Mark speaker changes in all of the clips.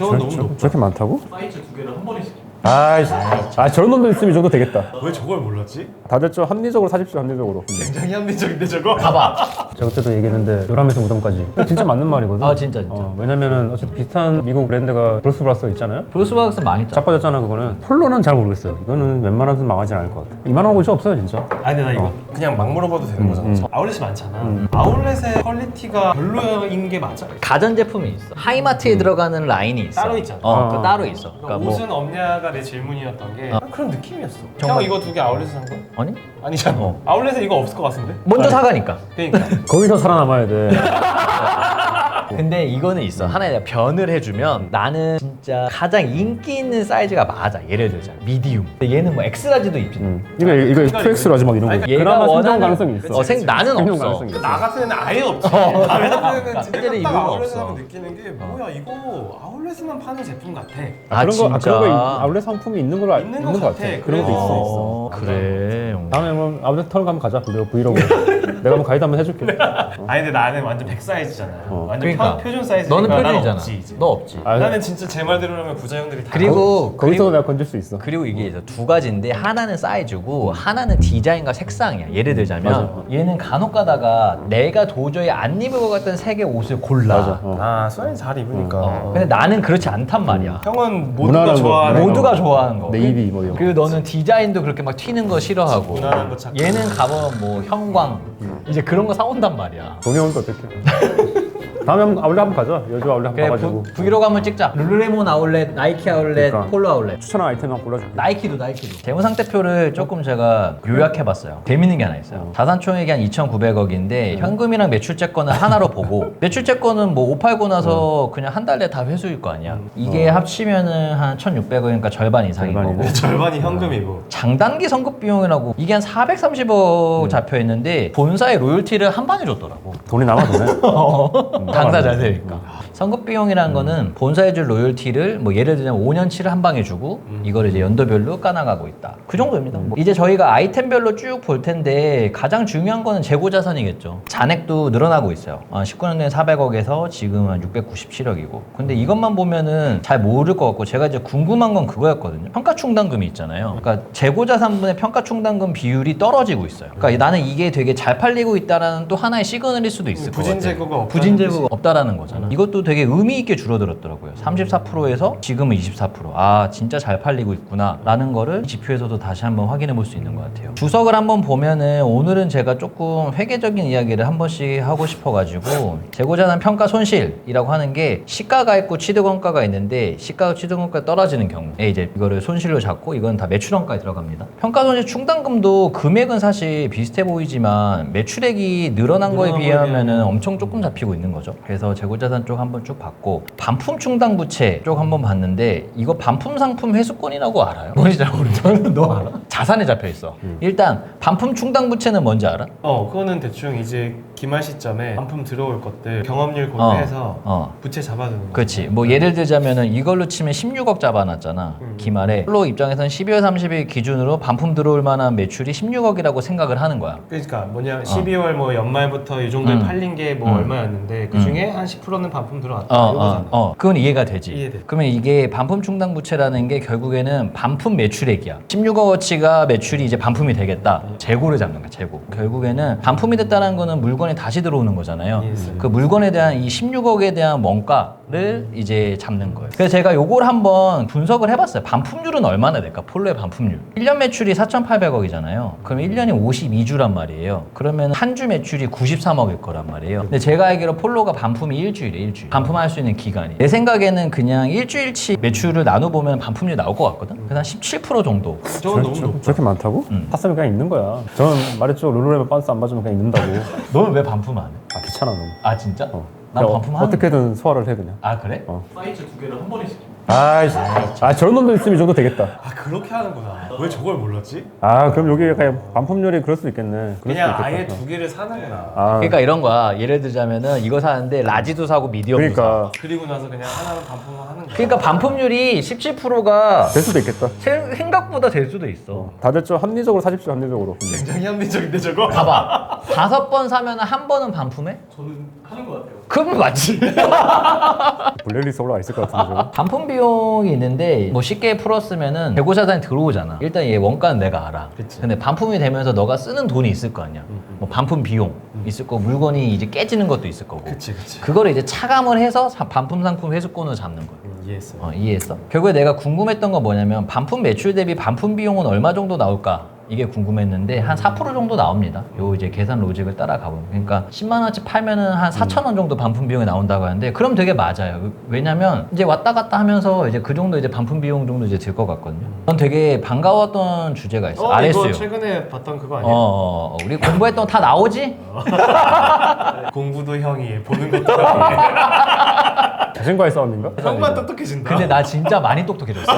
Speaker 1: 저건 너무 높다.
Speaker 2: 저렇게 많다고?
Speaker 1: 사이즈 두 개를 한 번에 시켜.
Speaker 2: 저런 놈도 있으면 이 정도 되겠다.
Speaker 1: 왜 저걸 몰랐지?
Speaker 2: 다들 좀 합리적으로 사십시오, 합리적으로.
Speaker 1: 굉장히 합리적인데 저거?
Speaker 3: 봐봐.
Speaker 2: 제가 그때도 얘기했는데 요람에서 무덤까지 진짜 맞는 말이거든.
Speaker 3: 아 진짜.
Speaker 2: 왜냐면은 어쨌든 비슷한 미국 브랜드가 브루스브라스 있잖아요.
Speaker 3: 브루스박스 많이 짜.
Speaker 2: 자빠졌잖아 그거는. 폴로는 잘 모르겠어요. 이거는 웬만하면 망하진 않을 것 같아. 이만한 곳이 없어요 진짜.
Speaker 1: 아니 근데 나 이거 그냥 막 물어봐도 되는 거잖아. 아울렛이 많잖아. 아울렛의 퀄리티가 별로인 게 맞아?
Speaker 3: 가전 제품이 있어. 하이마트에 들어가는 라인이 있어.
Speaker 1: 따로 있잖아.
Speaker 3: 그거 따로 있어.
Speaker 1: 그러니까
Speaker 3: 뭐
Speaker 1: 옷은 없냐가 내 질문이었던 게 그런 느낌이었어.
Speaker 3: 정말?
Speaker 1: 형 이거 두 개 아울렛에서 산 거야?
Speaker 3: 아니?
Speaker 1: 아니잖아. 아울렛에 이거 없을 것 같은데?
Speaker 3: 먼저 사가니까.
Speaker 1: 그러니까.
Speaker 2: 거기서 살아남아야 돼.
Speaker 3: 근데 이거는 있어. 하나 내가 변을 해주면 나는 진짜 가장 인기 있는 사이즈가 맞아. 예를 들자 미디움. 근데 얘는 뭐 엑스라지도 입지.
Speaker 2: 이거 2X라지 막 이런 거.
Speaker 1: 아니,
Speaker 3: 얘가
Speaker 2: 그나마 생존
Speaker 3: 원하는
Speaker 2: 가능성이 있어.
Speaker 3: 나는
Speaker 2: 생존
Speaker 3: 없어.
Speaker 2: 가능성이 있어.
Speaker 1: 나 같은 애는 아예 없지. 나는
Speaker 3: 실제로
Speaker 1: 진짜
Speaker 3: 이유가
Speaker 1: 딱 아울렛에
Speaker 3: 없어.
Speaker 1: 가면 느끼는 게 뭐야 이거 아울렛에만 파는 제품 같아.
Speaker 3: 아
Speaker 2: 그런 거,
Speaker 3: 진짜.
Speaker 2: 그런 거 아울렛 상품이 있는 걸로
Speaker 1: 있는
Speaker 2: 있는
Speaker 1: 것
Speaker 2: 것 같아.
Speaker 1: 같아.
Speaker 2: 그런 것도 있어.
Speaker 3: 어, 그래.
Speaker 2: 다음에 뭐 아울렛 털 가면 가자. 브이로그. 내가 한번 가이드 한번 해줄게.
Speaker 1: 아니 근데 나는 완전 100 사이즈잖아. 완전
Speaker 3: 그러니까.
Speaker 1: 표준 사이즈니까
Speaker 3: 너는
Speaker 1: 난
Speaker 3: 표준이잖아.
Speaker 1: 없지, 이제.
Speaker 3: 너 없지.
Speaker 1: 나는 진짜 제 말대로라면 부자형들이 다
Speaker 3: 그리고
Speaker 2: 거기서 내가 건질 수 있어.
Speaker 3: 그리고 이게 이제 두 가지인데 하나는 사이즈고 하나는 디자인과 색상이야. 예를 들자면 얘는 간혹 가다가 내가 도저히 안 입을 것 같은 색의 옷을 골라.
Speaker 1: 아 수환이 잘 입으니까.
Speaker 3: 근데 나는 그렇지 않단 말이야.
Speaker 1: 형은 모두가
Speaker 2: 무난한 거,
Speaker 1: 좋아하는
Speaker 3: 모두가 좋아하는 거.
Speaker 2: 네이비 뭐 이런 거.
Speaker 3: 그리고 너는 디자인도 그렇게 막 튀는 거 싫어하고.
Speaker 1: 무난한 거 찾고.
Speaker 3: 얘는 가면 뭐 형광 이제 그런 거 사온단 말이야.
Speaker 2: 돈이 오는데 어떡해. 다음에 한번 아울렛 한번 가자. 여주 아울렛 한번
Speaker 3: 그래
Speaker 2: 가가지고.
Speaker 3: 브이로그 한번 찍자. 룰루레몬 아울렛, 나이키 아울렛,
Speaker 2: 그러니까.
Speaker 3: 폴로 아울렛.
Speaker 2: 추천한 아이템 한번 골라줄게.
Speaker 3: 나이키도. 재무 상태표를 조금 제가 요약해봤어요. 재밌는 게 하나 있어요. 자산총액이 한 2,900억인데 현금이랑 매출채권을 하나로 보고 매출채권은 뭐 옷 팔고 나서 그냥 한 달에 다 회수일 거 아니야. 이게 합치면은 한 1,600억이니까 절반 이상인
Speaker 2: 절반이네.
Speaker 3: 거고.
Speaker 1: 절반이 현금이고.
Speaker 3: 장단기 선급 비용이라고 이게 한 430억 잡혀 있는데 본사의 로열티를 한 방에 줬더라고.
Speaker 2: 돈이 남아 도네.
Speaker 3: 장사 잘 되니까. 선급 비용이라는 거는 본사에 줄 로열티를 뭐 예를 들면 5년치를 한 방에 주고 이거를 이제 연도별로 까나가고 있다. 그 정도입니다. 뭐 이제 저희가 아이템별로 쭉 볼 텐데 가장 중요한 거는 재고 자산이겠죠. 잔액도 늘어나고 있어요. 19년도에 400억에서 지금은 697억이고. 근데 이것만 보면은 잘 모를 것 같고 제가 이제 궁금한 건 그거였거든요. 평가충당금이 있잖아요. 그러니까 재고 자산분의 평가충당금 비율이 떨어지고 있어요. 그러니까 나는 이게 되게 잘 팔리고 있다라는 또 하나의 시그널일 수도 있을 것 같아요.
Speaker 1: 부진 재고가 없다는
Speaker 3: 부진 재고가 없다라는 거잖아. 이것도 되게 의미 있게 줄어들었더라고요. 34%에서 지금은 24%. 아 진짜 잘 팔리고 있구나 라는 거를 지표에서도 다시 한번 확인해 볼 수 있는 것 같아요. 주석을 한번 보면은 오늘은 제가 조금 회계적인 이야기를 한 번씩 하고 싶어가지고 재고자산 평가 손실이라고 하는 게 시가가 있고 취득원가가 있는데 시가와 취득원가가 떨어지는 경우에 이제 이거를 손실로 잡고 이건 다 매출원가에 들어갑니다. 평가 손실 충당금도 금액은 사실 비슷해 보이지만 매출액이 늘어난 거에 비하면은 엄청 조금 잡히고 있는 거죠. 그래서 재고자산 쪽 한번 쭉 봤고 반품 충당 부채 쪽 한번 봤는데 이거 반품 상품 회수권이라고 알아요? 뭔지 잘 모르겠어. 너 알아? 자산에 잡혀 있어. 일단 반품 충당 부채는 뭔지 알아?
Speaker 1: 그거는 대충 이제 기말 시점에 반품 들어올 것들 경험률 고려해서 부채 잡아두는 거.
Speaker 3: 그렇지. 뭐 예를 들자면은 이걸로 치면 16억 잡아놨잖아. 기말에 폴로 입장에서는 12월 30일 기준으로 반품 들어올 만한 매출이 16억이라고 생각을 하는 거야.
Speaker 1: 그러니까 뭐냐 12월 뭐 연말부터 이 정도에 팔린 게 뭐 얼마였는데 그 중에 한 10%는 반품 들어왔다. 이거잖아.
Speaker 3: 그건 이해가 되지.
Speaker 1: 이해돼.
Speaker 3: 그러면 이게 반품 충당 부채라는 게 결국에는 반품 매출액이야. 16억어치가 매출이 이제 반품이 되겠다. 재고를 잡는 거야, 재고. 결국에는 반품이 됐다는 거는 물건이 다시 들어오는 거잖아요.
Speaker 1: 이해했어요.
Speaker 3: 그 물건에 대한 이 16억에 대한 원가를 이제 잡는 거예요. 그래서 제가 요걸 한번 분석을 해봤어요. 반품률은 얼마나 될까? 폴로의 반품률. 1년 매출이 4,800억이잖아요. 그럼 1년이 52주란 말이에요. 그러면 한 주 매출이 93억일 거란 말이에요. 근데 제가 알기로 폴로가 반품이 일주일이에요. 반품할 수 있는 기간이. 내 생각에는 그냥 일주일치 매출을 나눠보면 반품률 나올 것 같거든? 그래서 한 17% 정도.
Speaker 1: 저건 너무 높아.
Speaker 2: 저렇게 많다고? 샀으면 그냥 입는 거야. 저는 말했죠. 룰루레몬 반스 안 맞으면 그냥 입는다고.
Speaker 3: 너는 왜 반품 안 해?
Speaker 2: 귀찮아 너무.
Speaker 3: 아 진짜? 난
Speaker 2: 그냥
Speaker 3: 반품하는
Speaker 2: 어떻게든 소화를 해 그냥.
Speaker 3: 아 그래?
Speaker 1: 사이즈 두 개를 한 번에 시켜.
Speaker 2: 저런 놈도 있으면 이 정도 되겠다.
Speaker 1: 그렇게 하는구나. 왜 저걸 몰랐지?
Speaker 2: 그럼 여기 약간 반품률이 그럴 수 있겠네. 그럴
Speaker 1: 그냥
Speaker 2: 수도
Speaker 1: 아예
Speaker 2: 있겠다.
Speaker 1: 두 개를 사는구나.
Speaker 3: 그러니까 이런 거야. 예를 들자면은 이거 사는데 라지도 사고 미디엄도 사.
Speaker 2: 그러니까
Speaker 1: 그리고 나서 그냥 하나는 반품을 하는 거야.
Speaker 3: 그러니까 반품률이 17%가
Speaker 2: 될 수도 있겠다.
Speaker 3: 생각보다 될 수도 있어.
Speaker 2: 다들 좀 합리적으로 사십시오, 합리적으로.
Speaker 1: 굉장히 합리적인데 저거?
Speaker 3: 봐봐. 5번 사면 한 번은 반품해?
Speaker 1: 저는 하는 것 같아요.
Speaker 3: 그럼 맞지.
Speaker 2: 블랙리스트 올라와 있을 것 같은데 저거.
Speaker 3: 반품 비용이 있는데 뭐 쉽게 풀었으면은 재고자산이 들어오잖아. 일단 얘 원가는 내가 알아.
Speaker 1: 그치.
Speaker 3: 근데 반품이 되면서 너가 쓰는 돈이 있을 거 아니야. 뭐 반품 비용 있을 거고 물건이 이제 깨지는 것도 있을 거고.
Speaker 1: 그치 그치.
Speaker 3: 그거를 이제 차감을 해서 반품 상품 회수권을 잡는 거야.
Speaker 1: 이해했어.
Speaker 3: 이해했어? 결국에 내가 궁금했던 건 뭐냐면 반품 매출 대비 반품 비용은 얼마 정도 나올까? 이게 궁금했는데 한 4% 정도 나옵니다. 요 이제 계산 로직을 따라가 보면. 그러니까 10만 원치 팔면은 한 4천 원 정도 반품 비용이 나온다고 하는데 그럼 되게 맞아요. 왜냐면 이제 왔다 갔다 하면서 이제 그 정도 이제 반품 비용 정도 이제 들 것 같거든요. 전 되게 반가웠던 주제가 있어. 요 RS요.
Speaker 1: 이거 최근에 봤던 그거 아니야?
Speaker 3: 우리 공부했던 거 다 나오지?
Speaker 1: 공부도 형이 보는 것도 형이.
Speaker 2: 자신과의 싸움인가?
Speaker 1: 형만 똑똑해진다.
Speaker 3: 근데 나 진짜 많이 똑똑해졌어.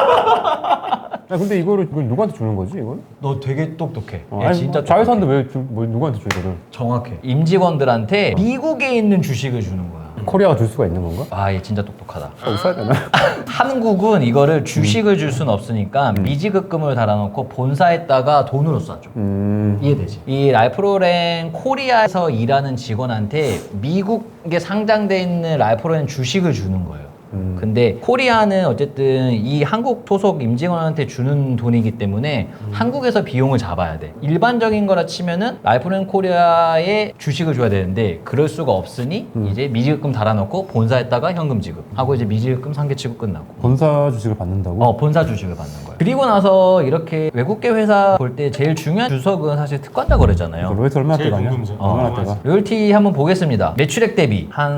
Speaker 2: 야, 근데 이걸 누구한테 주는 거지 이건?
Speaker 3: 너 되게 똑똑해. 얘
Speaker 2: 아니,
Speaker 3: 진짜
Speaker 2: 자회사인데 왜 누구한테 줘 이거를?
Speaker 3: 정확해. 임직원들한테 미국에 있는 주식을 주는 거야.
Speaker 2: 코리아가 줄 수가 있는 건가?
Speaker 3: 아, 얘 진짜 똑똑하다.
Speaker 2: 써야 되나?
Speaker 3: 한국은 이거를 주식을 줄 수는 없으니까 미지급금을 달아놓고 본사에다가 돈으로 쏴줘. 이해되지? 이 랄프로렌 코리아에서 일하는 직원한테 미국에 상장돼 있는 랄프로렌 주식을 주는 거예요. 근데 코리아는 어쨌든 이 한국 소속 임직원한테 주는 돈이기 때문에 한국에서 비용을 잡아야 돼. 일반적인 거라 치면은 랄프렌 코리아에 주식을 줘야 되는데 그럴 수가 없으니 이제 미지급금 달아놓고 본사에다가 현금 지급하고 이제 미지급금 상계 치고 끝나고.
Speaker 2: 본사 주식을 받는다고?
Speaker 3: 본사 주식을 받는 거예요. 그리고 나서 이렇게 외국계 회사 볼 때 제일 중요한 주석은 사실 특권자 거래잖아요.
Speaker 2: 로이터 얼마나
Speaker 1: 제일
Speaker 2: 떼가냐?
Speaker 1: 궁금하죠.
Speaker 2: 얼마나 떼가?
Speaker 3: 로열티 한번 보겠습니다. 매출액 대비 한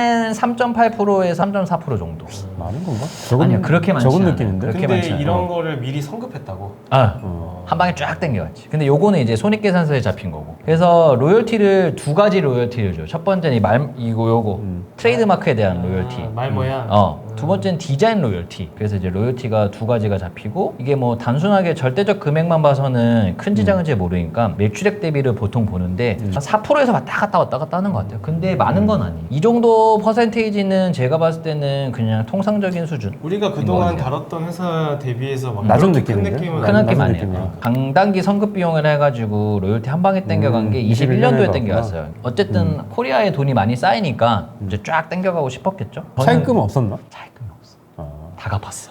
Speaker 3: 3.8%에서 3.4% 정도.
Speaker 2: 많은 건가?
Speaker 3: 아니요, 그렇게 많지
Speaker 2: 적은
Speaker 3: 않아요.
Speaker 2: 느낌인데?
Speaker 3: 그렇게
Speaker 1: 근데
Speaker 3: 많지 않아요.
Speaker 1: 이런 거를 미리 성급했다고.
Speaker 3: 한 방에 쫙 땡겨갔지. 근데 요거는 이제 손익계산서에 잡힌 거고. 그래서 로열티를 두 가지 로열티를 줘요. 첫 번째는 요거 트레이드마크에 대한 로열티.
Speaker 1: 말 뭐야?
Speaker 3: 두 번째는 디자인 로열티. 그래서 이제 로열티가 두 가지가 잡히고 이게 뭐 단순하게 절대적 금액만 봐서는 큰 지장은 잘 모르니까 매출액 대비를 보통 보는데 한 4%에서 왔다 갔다 하는 것 같아요. 근데 많은 건 아니에요. 이 정도 퍼센테이지는 제가 봤을 때는 그냥 통상적인 수준.
Speaker 1: 우리가 그동안
Speaker 3: 같아요.
Speaker 1: 다뤘던 회사 대비해서 막
Speaker 2: 낮은
Speaker 1: 그렇게 큰
Speaker 2: 느낌인데?
Speaker 1: 느낌은
Speaker 3: 큰
Speaker 2: 낮은
Speaker 3: 느낌
Speaker 2: 느낌이야.
Speaker 3: 아니에요. 강단기 성급 비용을 해가지고 로열티 한 방에 땡겨간 게 21년도에
Speaker 2: 21년에
Speaker 3: 땡겨갔어요. 어쨌든 코리아에 돈이 많이 쌓이니까 이제 쫙 땡겨가고 싶었겠죠.
Speaker 2: 차입금은 없었나?
Speaker 3: 차입금이 없어. 다 갚았어.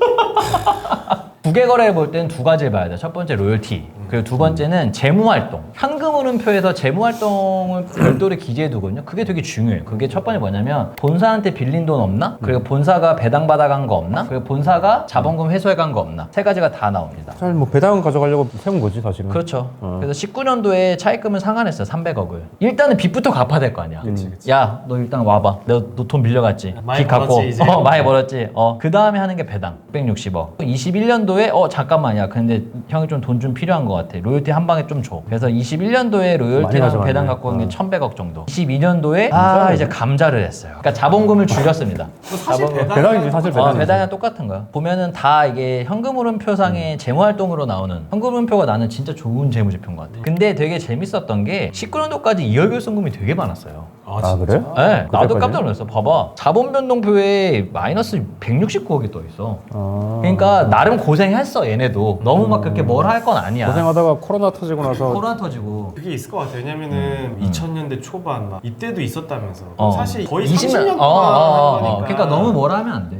Speaker 3: 부계 거래를 볼 때는 두 가지를 봐야 돼. 첫 번째 로열티. 그리고 두 번째는 재무활동. 현금 흐름표에서 재무활동을 별도로 기재해 두거든요. 그게 되게 중요해요. 그게 첫 번째 뭐냐면 본사한테 빌린 돈 없나? 그리고 본사가 배당 받아간 거 없나? 그리고 본사가 자본금 회수해 간 거 없나? 세 가지가 다 나옵니다.
Speaker 2: 잘 뭐 배당 가져가려고 세운 거지 사실은.
Speaker 3: 그렇죠. 그래서 19년도에 차입금을 상환했어요. 300억을. 일단은 빚부터 갚아야 될 거 아니야. 야, 너 일단 와봐. 너 돈 빌려갔지.
Speaker 1: 많이
Speaker 3: 빚 갚고.
Speaker 1: 벌었지, 이제.
Speaker 3: 많이 벌었지. 그 다음에 하는 게 배당. 660억. 21년도에 잠깐만요. 근데 형이 좀 돈 좀 필요한 것 같아. 로열티 한 방에 좀 줘. 그래서 21년도에
Speaker 2: 많이
Speaker 3: 로열티랑
Speaker 2: 가져갔네.
Speaker 3: 배당 갖고 온 게 1,100억 정도. 22년도에 이제 감자를 했어요. 그러니까 자본금을 줄였습니다.
Speaker 1: 사실
Speaker 2: 배당이지 사실 배당이지.
Speaker 3: 배당이랑 똑같은 거야. 보면은 다 이게 현금 흐름표상의 재무활동으로 나오는 현금 흐름표가 나는 진짜 좋은 재무제표인 것 같아. 근데 되게 재밌었던 게 19년도까지 이월결손금이 되게 많았어요.
Speaker 2: 아 그래?
Speaker 3: 네, 나도
Speaker 2: 그때까지요?
Speaker 3: 깜짝 놀랐어. 봐봐. 자본변동표에 마이너스 169억이 떠 있어. 그러니까 나름 고생했어 얘네도. 너무 막 그렇게 뭘 할 건 아니야.
Speaker 2: 고생하다가 코로나 터지고 나서
Speaker 3: 코로나 터지고.
Speaker 1: 그게 있을 것 같아요. 왜냐면은 2000년대 초반 막 이때도 있었다면서. 사실 거의
Speaker 3: 20년
Speaker 1: 30년 동안 한 거니까.
Speaker 3: 그러니까 너무 뭐라 하면 안 돼.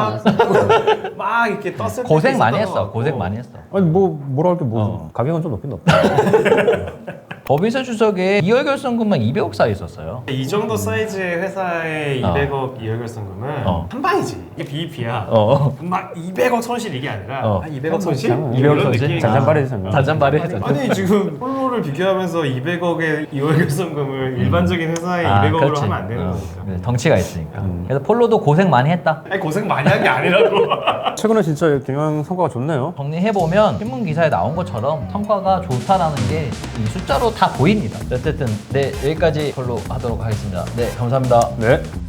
Speaker 1: 막 이렇게 떴을 때
Speaker 3: 고생 많이 했어. 고생 많이 했어.
Speaker 2: 아니 뭐라 할 게 뭐 가격은 좀 높긴 높다.
Speaker 3: 법인세 주석에 이월결손금만 200억 쌓여 있었어요.
Speaker 1: 이 정도 사이즈의 회사의 200억 이월결손금은 한 방이지. 이게 BEP야. 막 200억 손실 이게 아니라 한 200억 손실?
Speaker 3: 200억
Speaker 1: 이런
Speaker 3: 손실?
Speaker 1: 느낌이
Speaker 2: 잔잔바리지 잠깐.
Speaker 3: 잔잔바리 했죠.
Speaker 1: 아니 지금 폴로를 비교하면서 200억의 이월결손금을 일반적인 회사의 200억으로 하면 안 되는 거니까.
Speaker 3: 네, 덩치가 있으니까. 그래서 폴로도 고생 많이 했다.
Speaker 1: 아니 고생 많이 한 게 아니라고.
Speaker 2: 최근에 진짜 경영 성과가 좋네요.
Speaker 3: 정리해보면 신문 기사에 나온 것처럼 성과가 좋다라는 게 이 숫자로 다 보입니다. 어쨌든 네, 여기까지 걸로 하도록 하겠습니다. 네, 감사합니다.
Speaker 2: 네.